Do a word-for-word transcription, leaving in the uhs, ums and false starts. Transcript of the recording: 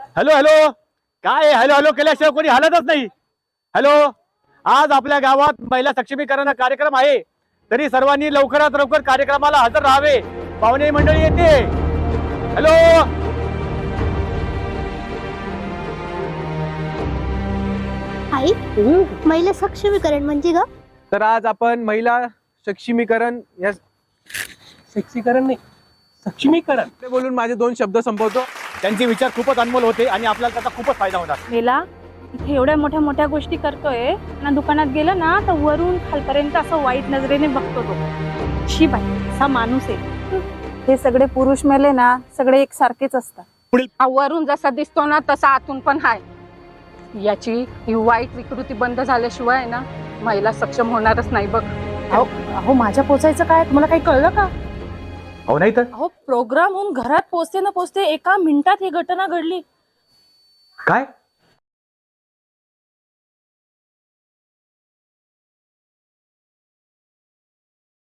Hello hello काय hello hello केल्याशिवाय कोणी हालतच नाही. हॅलो, आज आपल्या गावात महिला सक्षमीकरण कार्यक्रम आहे, तरी सर्वांनी लवकरात लवकर कार्यक्रमाला हजर राहावे. पाहुणे मंडळी येते. हॅलो, आई, महिला सक्षमीकरण म्हणजे ग? तर आज आपण महिला सक्षमीकरण या सक्षमीकरण नाही सक्षमीकरण ते बोलून माझे दोन शब्द संपवतो. त्यांचे विचार खूपच अनमोल होते आणि आपल्याला त्याचा खूपच फायदा होणार. मेला इथे एवढ्या मोठ्या मोठ्या गोष्टी करतोय ना, दुकानात गेलं ना तर वरून खालपर्यंत असं वाईट नजरेने बघतो तो. शी बाई, असा माणूस आहे. हे सगळे पुरुष मेले ना, सगळे एक सारखेच असतात. हा वरून जसा दिसतो ना तसा आतून पण हाय. याची ही वाईट विकृती बंद झाल्याशिवाय ना महिला सक्षम होणारच नाही बघ. अहो अहो माझ्या पोचायचं काय, तुम्हाला काही कळलं का? हो नाही तर अहो प्रोग्राम होऊन घरात पोचते ना पोचते एका मिनिटात ही घटना घडली. काय